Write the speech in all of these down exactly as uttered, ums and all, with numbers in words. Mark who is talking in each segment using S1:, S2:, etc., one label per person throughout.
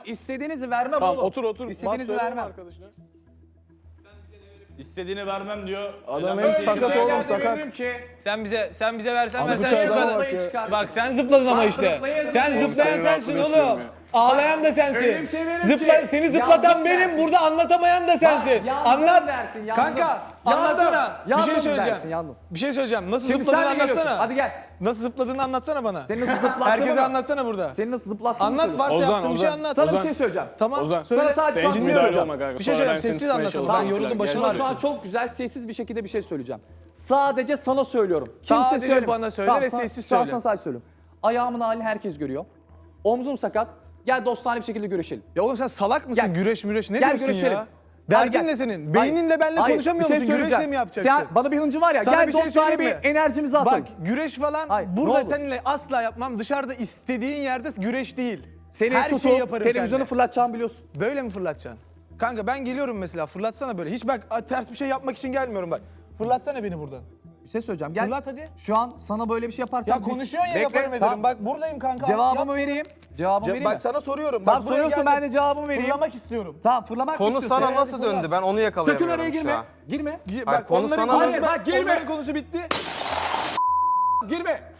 S1: istediğinizi vermem
S2: Tamam
S1: oğlum.
S2: otur otur.
S1: İstediğinizi
S2: Bak,
S1: vermem.
S2: arkadaşına.
S3: İstediğini vermem diyor.
S2: Adam
S3: Öyle
S2: hem
S3: bir
S2: sakat
S3: şey
S2: oğlum
S3: söyle.
S2: sakat.
S1: Ki,
S4: Sen bize sen bize versen
S2: Abi
S4: versen
S2: bu
S4: şu
S2: adama
S4: kadar.
S2: bak ya.
S4: Bak sen zıpladın ama
S1: Bak,
S4: işte.
S1: zıplayın.
S4: Sen
S1: Oğlum,
S4: zıplayan
S2: senin
S4: sensin
S2: aklını
S4: oğlum.
S2: istiyorum
S4: Ağlayan da
S1: Öyle
S4: sensin.
S1: bir şey veririm
S4: Zıpla,
S1: ki,
S4: seni zıplatan
S1: yandım
S4: benim,
S1: dersin.
S4: burada anlatamayan da sensin.
S1: yandım
S4: Anlat.
S1: dersin, yandım.
S4: Kanka,
S1: Yandım.
S4: anlatsana. Bir
S1: Yandım
S4: şey söyleyeceğim.
S1: dersin, yandım.
S4: Bir şey söyleyeceğim. Nasıl
S1: Şimdi
S4: zıpladığını
S1: sen de geliyorsun.
S4: anlatsana.
S1: Hadi gel.
S4: Nasıl zıpladığını anlatsana bana.
S1: Seni nasıl zıplattığını
S4: Herkese
S1: mı?
S4: anlatsana burada.
S1: Seni nasıl zıplattığını
S4: Anlat,
S1: söylüyorsun.
S4: varsa
S2: Ozan,
S4: yaptığın bir şey
S2: Ozan.
S4: anlat.
S1: Sana bir
S2: Ozan.
S1: şey söyleyeceğim.
S4: Tamam.
S2: Ozan.
S4: Söyle.
S1: Sana sadece
S2: Sen
S1: şu an
S2: hiç
S1: dinliyorum.
S2: müdahale olma kanka.
S4: Bir şey
S2: Sonra ben
S4: söyleyeceğim,
S2: seni
S4: sessiz
S2: tutmaya
S4: anlatalım.
S2: çalışırım
S4: Ben yoruldum,
S2: falan.
S4: başım
S2: Gel.
S1: Sana şu an çok güzel sessiz bir şekilde bir şey söyleyeceğim. Sadece sana söylüyorum. Kimse
S4: Sadece
S1: söylemesin.
S4: bana söyle ve
S1: sana-
S4: sessiz
S1: şu an
S4: söyle.
S1: sana sadece söylüyorum. Ayağımın halini herkes görüyor. Omzum sakat. Gel dostane bir şekilde güreşelim.
S4: Ya oğlum sen salak mısın?
S1: Gel.
S4: Güreş müreş ne
S1: Gel
S4: diyorsun
S1: güreşelim.
S4: ya?
S1: Hayır,
S4: Derdin
S1: gel.
S4: ne senin?
S1: Hayır.
S4: Beyninle benimle
S1: Hayır,
S4: konuşamıyor
S1: bir şey
S4: musun? Güreşle
S1: söyleyeceğim.
S4: mi yapacaksın?
S1: Sen, bana bir hıncı var ya.
S4: Sana
S1: gel
S4: bir şey
S1: dostane bir
S4: söyleyeyim mi?
S1: enerjimizi atalım.
S4: Bak güreş falan
S1: Hayır, ne
S4: burada
S1: olur.
S4: seninle asla yapmam. Dışarıda istediğin yerde güreş değil.
S1: Seni
S4: Her
S1: tutup
S4: şeyi yaparım
S1: televizyonu
S4: seninle.
S1: fırlatacağımı biliyorsun.
S4: Böyle mi fırlatacaksın? Kanka ben geliyorum mesela, fırlatsana böyle. Hiç bak ters bir şey yapmak için gelmiyorum bak. Fırlatsana beni buradan.
S1: Bir şey söyleyeceğim. Gel.
S4: Fırlat hadi.
S1: Şu an sana böyle bir şey yaparsam...
S4: Ya konuşuyorsun ya, yaparım ederim.
S1: Tamam.
S4: Bak buradayım kanka.
S1: Cevabımı
S4: Yap.
S1: vereyim. Cevabımı
S4: Ce-
S1: vereyim
S4: Bak
S1: mi?
S4: sana soruyorum.
S1: Tamam
S4: Bak buraya
S1: soruyorsun,
S4: geldim.
S1: ben de cevabımı vereyim.
S4: Fırlamak istiyorum.
S1: Tamam fırlamak
S5: Konu
S1: istiyorsun.
S5: sana
S1: Evet,
S5: nasıl
S1: fırla.
S5: döndü? Ben onu
S1: Sakın
S5: yakalayamıyorum
S1: oraya
S5: şu
S1: girme.
S5: an.
S1: Girme.
S4: Gi-
S5: Hayır,
S4: Bak
S5: konu
S4: onların
S5: sana
S4: konusu,
S1: nasıl- Bak, girme.
S4: onların konusu bitti.
S1: Girme.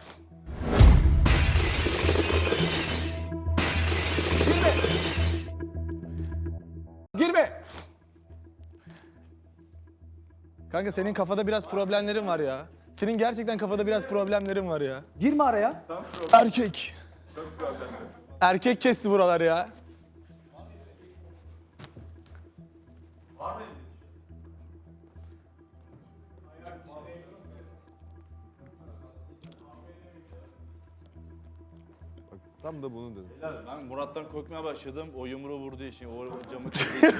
S1: Girme. Girme.
S4: Kanka senin kafada biraz problemlerin var ya. Senin gerçekten kafada biraz problemlerin var ya.
S1: Girme araya.
S4: Erkek. Erkek kesti buralar ya.
S5: Tam da bunu dedim.
S3: Ben Murat'tan korkmaya başladım. O yumruğu vurduğu için, o camı kırdığı için.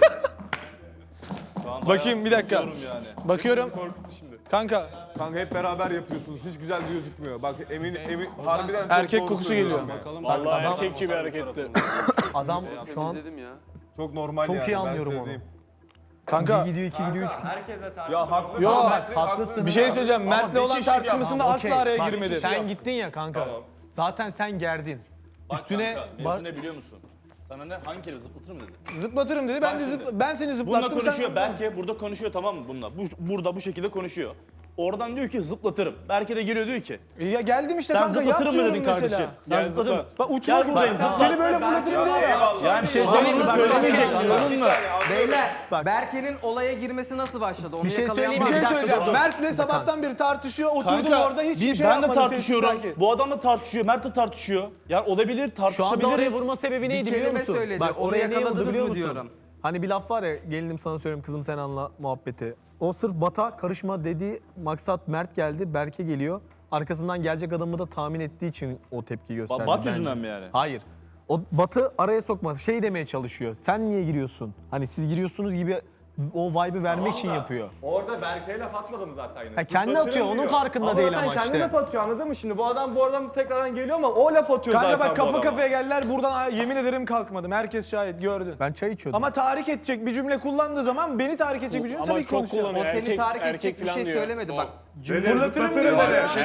S3: Şu an
S4: Bakayım bir
S3: bayağı
S4: dakika.
S3: korkuyorum yani.
S4: Bakıyorum.
S5: Korkuttu şimdi.
S4: Kanka
S5: Kanka hep beraber yapıyorsunuz. Hiç güzel gözükmüyor. Bak emin emin harbiden çok
S4: erkek
S5: doğru
S4: kokusu
S5: söylüyor
S4: geliyor.
S5: bak.
S3: Bakalım.
S2: Vallahi erkekçi bir hareketti.
S6: Adam şu an
S5: İzledim ya. Çok normal
S6: çok
S5: yani.
S6: iyi
S5: ben
S6: anlıyorum
S5: size
S6: onu.
S5: diyeyim.
S4: kanka
S6: Bir gidiyor, iki gidiyor, üç gidiyor.
S5: Ya haklı.
S4: Yo,
S6: Haklısın.
S4: bir şey söyleyeceğim. Mert'le olan
S5: kişi
S4: tartışmasında
S6: Tamam,
S4: asla
S6: okey.
S4: araya
S6: Bak,
S4: girmedi.
S6: Sen gittin ya kanka. Zaten sen gerdin.
S3: Bak
S6: Üstüne
S3: kanka,
S6: bak-
S3: mevzu ne biliyor musun? Sana ne, hangi kere zıplatır mı dedi?
S4: Zıplatırım dedi. Ben de
S3: şimdi-
S4: zıpla- ben seni
S3: Bununla
S4: zıplattım.
S3: konuşuyor.
S4: Sen
S3: Berke burada konuşuyor, tamam mı bununla? Bu, burada bu şekilde konuşuyor. Oradan diyor ki zıplatırım. Berke de geliyor diyor ki.
S4: ya geldim işte
S3: Sen
S4: kanka.
S3: zıplatır
S4: yap
S3: mı dedin
S4: diyorum
S3: kardeşim?
S4: mesela.
S3: Sen
S2: Gel
S3: zıplatır mı?
S4: Bak uçma
S3: Gel buradayım,
S4: buradayım.
S3: zıpla.
S4: Seni böyle fırlatırım diyor ya.
S3: Yani bir şey söyleyeyim mi? Söylemeyeceksin, anladın mı?
S7: Beyler, Berke'nin olaya girmesi nasıl başladı? Onu
S6: Bir şey
S7: yakalayan
S6: söyleyeyim
S4: Bir
S7: var
S6: mi?
S7: mı?
S4: şey
S6: dakika,
S4: söyleyeceğim.
S6: dur.
S4: Mert'le sabahtan beri tartışıyor. Oturdum
S3: Kanka,
S4: orada hiçbir
S3: biz-
S4: şey
S3: ben de
S4: yapmadım.
S3: tartışıyorum.
S4: sessiz sakin.
S3: Bu adam da tartışıyor. Mert de tartışıyor. Yani olabilir,
S6: Şu anda
S3: tartışabiliriz.
S6: oraya vurma sebebi neydi biliyor
S7: kelime
S6: musun?
S7: söyledi,
S6: Bak
S7: onu
S6: oraya niye
S7: yakaladınız
S6: vurdu biliyor
S7: mı
S6: musun?
S7: diyorum.
S6: Hani bir laf var ya, gelinim sana söyleyeyim kızım sen anla muhabbeti. O sırf Bata karışma dediği maksat Mert geldi, Berke geliyor. Arkasından gelecek adamı da tahmin ettiği için o tepki gösterdi.
S3: Bat
S6: bence.
S3: yüzünden mi yani?
S6: Hayır. O Batı araya sokmaz. Şey demeye çalışıyor. Sen niye giriyorsun? Hani siz giriyorsunuz gibi o vibe'ı vermek için yapıyor.
S8: Orada Berke'ye laf atmadım zaten yine.
S6: Ha, kendi atıyor, onun farkında değil ama
S8: kendi
S6: işte.
S8: laf atıyor, anladın mı şimdi? Bu adam bu adam tekrardan geliyor ama o laf atıyor
S4: Kanka
S8: zaten
S4: bak
S8: bu
S4: kafa
S8: adama.
S4: kafaya geldiler. Buradan yemin ederim kalkmadım. Herkes şahit gördün.
S6: Ben çay içiyordum.
S4: Ama tahrik edecek bir cümle kullandığı zaman beni tahrik edecek bir cümle
S2: Ama
S4: tabii ki
S2: çok
S4: konuşacağım.
S2: kullanıyor.
S7: O seni
S2: Erkek-
S7: tahrik
S2: erkek
S7: edecek bir
S2: falan
S7: şey
S2: diyor.
S7: söylemedi bak.
S4: Fırlatırım diyor.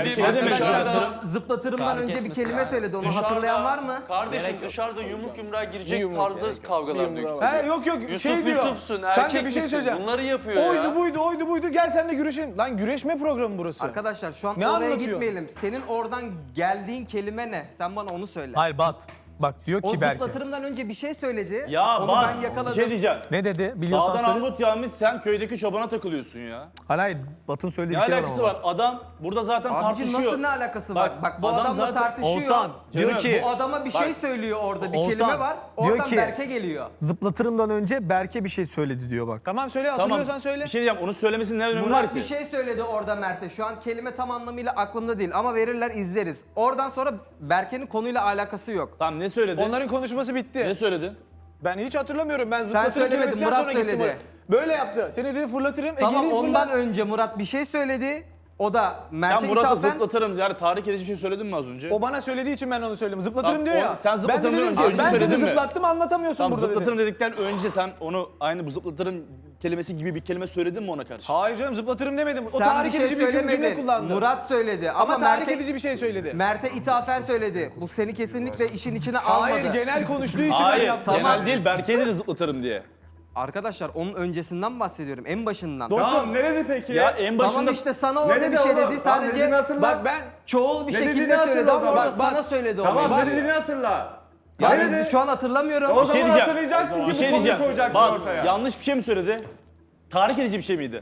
S7: Arkadaşlar zıplatırımdan önce bir kelime söyledi. Onu hatırlayan var mı?
S9: Kardeşim dışarıda yumruk yumruğa girecek
S2: yumruk
S9: tarzda kavgalar dönüyor.
S4: He yok yok
S9: Yusuf
S4: şey diyor.
S9: Yusuf'sun,
S4: Kanka
S9: erkek
S4: bir şey
S9: misin?
S4: söyleyeceğim.
S9: Bunları yapıyor
S4: Oydu
S9: ya.
S4: buydu oydu buydu gel sen de güreşin. Lan güreşme programı burası.
S7: Arkadaşlar şu an
S4: Ne
S7: oraya
S4: anlatıyor?
S7: gitmeyelim. Senin oradan geldiğin kelime ne? Sen bana onu söyle.
S6: Hayır Bat. Bak diyor
S7: O
S6: ki Berke.
S7: zıplatırımdan önce bir şey söyledi.
S3: Ya
S7: onu
S3: bak,
S7: ben
S3: bir
S7: yakaladım.
S3: şey diyeceğim.
S6: Ne dedi? Biliyorsan
S3: Dağdan
S6: söyle.
S3: armut yağmış, sen köydeki çobana takılıyorsun ya.
S6: Hayır hayır. Batın söylediği
S3: Ne
S6: bir şey var
S3: alakası
S6: ama.
S3: var? Adam burada zaten
S7: Abicim
S3: tartışıyor.
S7: nasıl ne alakası var?
S3: Bak,
S7: Bak, bu
S3: adam
S7: adamla
S3: zaten-
S7: tartışıyor.
S6: Oğuzhan diyor
S3: Canım,
S6: ki
S7: Bu adama bir şey
S3: Bak.
S7: söylüyor orada bir
S6: Oğuzhan,
S7: kelime var.
S6: diyor
S7: Oradan
S6: ki-
S7: Berke geliyor.
S6: zıplatırımdan önce Berke bir şey söyledi diyor bak.
S4: Tamam söyle
S3: Tamam.
S4: hatırlıyorsan söyle.
S3: Bir şey diyeceğim. Onu söylemesinin ne önemi var
S7: Murat
S3: ki?
S7: bir şey söyledi orada Mert'e. Şu an kelime tam anlamıyla aklımda değil ama verirler izleriz. Oradan sonra Berke'nin konuyla alakası yok.
S3: Tamam, ne söyledi?
S4: Onların konuşması bitti.
S3: Ne söyledi?
S4: Ben hiç hatırlamıyorum. Ben zıplatırım
S7: söylemedin,
S4: kelimesinden
S7: Murat
S4: sonra gittim
S7: söyledi.
S4: oraya. Böyle yaptı. Seni dedi fırlatırım.
S7: Tamam
S4: Ege'nin
S7: ondan
S4: fırlat.
S7: önce Murat bir şey söyledi. O da
S3: Sen
S7: Mert'e
S3: Murat'ı
S7: ithafen...
S3: zıplatırım. Yani tahrik edici bir şey söyledin mi az önce?
S4: O bana söylediği için ben onu söyledim. Zıplatırım
S3: Tamam,
S4: diyor
S3: o-
S4: ya.
S3: sen
S4: ben de
S3: zıplatırım
S4: dedim
S3: önce
S4: ki
S3: önce
S4: ben seni
S3: söyledin mi?
S4: zıplattım anlatamıyorsun
S3: Tamam,
S4: burada
S3: zıplatırım
S4: dedim.
S3: dedikten önce sen onu aynı bu zıplatırım kelimesi gibi bir kelime söyledin mi ona karşı?
S4: Hayır canım zıplatırım demedim. O
S7: Sen
S4: tahrik
S7: bir şey
S4: edici bir cümle
S7: söylemedin.
S4: kullandı.
S7: Murat söyledi ama,
S4: ama tahrik
S7: Mert'e,
S4: edici bir şey söyledi.
S7: Mert'e ithafen söyledi. Bu seni kesinlikle işin içine almadı.
S4: Hayır genel konuştuğu için ben
S3: Hayır,
S4: yaptım.
S3: genel değil. Berke'ye de zıplatırım diye.
S7: Arkadaşlar onun öncesinden bahsediyorum. En başından.
S8: Tamam ne dedi peki?
S3: Ya en başında...
S7: Tamam işte sana orada
S8: dedi
S7: bir şey
S8: oğlum?
S7: dedi.
S8: Tamam,
S7: Sadece
S8: dediğini hatırla.
S4: Bak ben
S7: çoğul bir
S8: Ne
S7: şekilde
S8: dediğini
S7: söyledi
S8: hatırla o
S7: ama
S8: zaman.
S7: orada
S4: Bak,
S7: sana söyledi onu.
S8: Tamam
S7: Bak,
S8: ne dediğini hatırla.
S7: ya
S8: Ne dedi?
S7: şu an hatırlamıyorum.
S8: O
S3: Bir şey
S8: zaman
S3: diyeceğim.
S8: hatırlayacaksın ki
S3: Bir şey
S8: bu konuyu
S3: diyeceğim.
S8: koyacaksın
S3: Bak
S8: ortaya.
S3: yanlış bir şey mi söyledi? Tahrik edici bir şey miydi?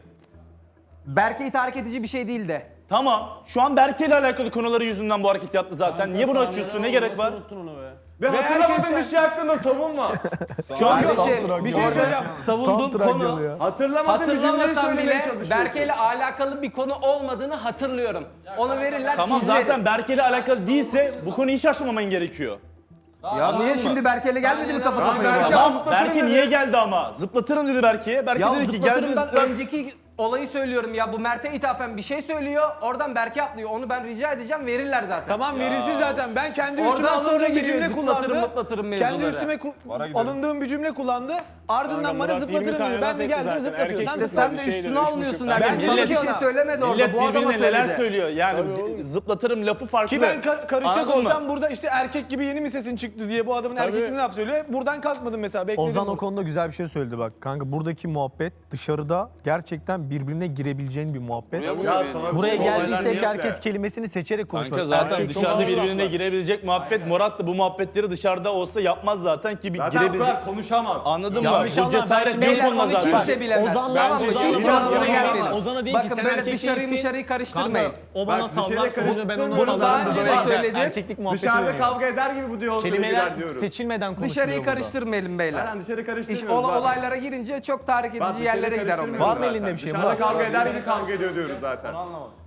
S7: Berke'yi tahrik edici bir şey değil de.
S3: Tamam. Şu an Berke ile alakalı konuları yüzünden bu hareket yaptı zaten. Niye bunu açıyorsun? Ne gerek var?
S8: Ve hatırlamadığın bir şey hakkında savunma.
S3: Şu an
S7: Kardeşim,
S4: bir şey söyleyeceğim.
S7: savunduğum konu
S8: Hatırlamadığın bir cümleyi
S7: hatırlamasam
S8: söylemeye
S7: bile
S8: çalışıyorsun.
S7: Berke ile alakalı bir konu olmadığını hatırlıyorum. Onu verirler
S3: Tamam
S7: izleriz.
S3: zaten Berke ile alakalı değilse bu konuyu hiç açmaman gerekiyor.
S7: Ya niye şimdi Berke ile gelmedi mi kafa kafaya?
S8: Berke
S7: Ya,
S3: Tamam
S8: zıplatırım
S3: Berke
S8: dedi.
S3: niye geldi ama? Zıplatırım dedi Berke'ye. Berke
S7: ya
S3: dedi ki gel dedi
S7: zıplatırımdan
S3: zıplat.
S7: önceki olayı söylüyorum ya. Bu Mert'e ithafen bir şey söylüyor. Oradan Berke atlıyor. Onu ben rica edeceğim verirler zaten.
S4: Tamam verilsin zaten. Ben kendi üstüme
S7: Oradan sonra
S4: alındığım bir
S7: geliyor
S4: cümle
S7: zıplatırım,
S4: kullandı.
S7: mıplatırım
S4: Kendi
S7: mevzuları.
S4: üstüme ku- alındığım bir cümle kullandı. Ardından bana
S5: Murat yirmi
S4: zıplatırım
S5: tane
S4: dedi. Ben
S5: laf
S4: de
S5: etti
S4: geldim
S5: zaten.
S4: zıplatıyor.
S5: Erkek
S4: Sen
S7: İşte
S4: de
S7: sen de
S5: Bir şey
S7: üstüne
S5: de üç
S7: almıyorsun
S5: buçuk-
S7: derken.
S3: Ben
S7: Sana
S3: millet-
S7: bir şey söylemedi orada.
S3: Millet
S7: Bu adama
S3: birbirine neler
S7: söyledi.
S3: söylüyor. Yani zıplatırım lafı farklı.
S4: Ki ben ka- karışacak
S3: Anladın mı?
S4: olsam burada işte erkek gibi yeni mi sesin çıktı diye bu adamın erkekliğine laf söylüyor. Buradan kalkmadım mesela bekledim.
S6: Ozan o
S4: bunu.
S6: konuda güzel bir şey söyledi bak. Kanka buradaki muhabbet dışarıda gerçekten birbirine girebileceğin bir muhabbet.
S8: Ya sana bir
S6: Buraya
S8: şey- olaylar
S6: geldiysek
S8: niye
S6: herkes
S8: yapıyor?
S6: kelimesini seçerek konuşuyor.
S3: Kanka zaten
S6: Erkek çok
S3: dışarıda
S6: ağır
S3: birbirine
S6: laflar.
S3: girebilecek muhabbet. Murat da bu muhabbetleri dışarıda olsa yapmaz zaten ki bir
S8: Zaten bu
S3: girebilecek.
S8: kadar konuşamaz.
S3: Anladın
S6: Ya
S3: mı? Bu
S6: inşallah
S3: cesaret
S6: ben
S3: yok
S6: şimdi
S3: onunla
S7: Onu
S3: zaten.
S7: kimse bilemez.
S6: Ozan'la
S7: Tamam mı?
S6: Ozan'la
S7: Şimdi
S6: Ozan'la
S7: Ozan'a
S6: Ozan'la
S7: gelmeyin.
S6: Ozan'a deyin ki
S7: Bakın
S6: sen
S7: böyle
S6: erkek
S7: dışarıyı
S6: değilsin.
S7: dışarıyı karıştırmayın.
S6: Kanka o bana
S8: Bak, bir şeyle
S6: sallar, sonra ben ona
S8: karıştırmıyoruz.
S6: sallarım.
S7: Daha önce de
S6: Böyle
S7: söyledim.
S6: Erkeklik muhabbeti
S8: Dışarıda
S6: dönüyor.
S8: kavga eder gibi bu diyaloglara girer
S6: Kelimeler
S8: diyorum.
S6: seçilmeden konuşuluyor
S7: Dışarıyı
S6: burada.
S7: karıştırmayalım beyler.
S8: Aynen dışarı
S7: İş
S8: karıştırmıyoruz.
S7: ola-
S8: zaten.
S7: olaylara girince çok tahrik
S8: Bak,
S7: edici
S8: dışarı
S7: yerlere gider onlar.
S8: karıştırmıyoruz
S6: Var mı
S8: zaten.
S6: elinde bir şey?
S8: Dışarıda
S6: Murat?
S8: kavga eder gibi kavga ediyor diyoruz zaten.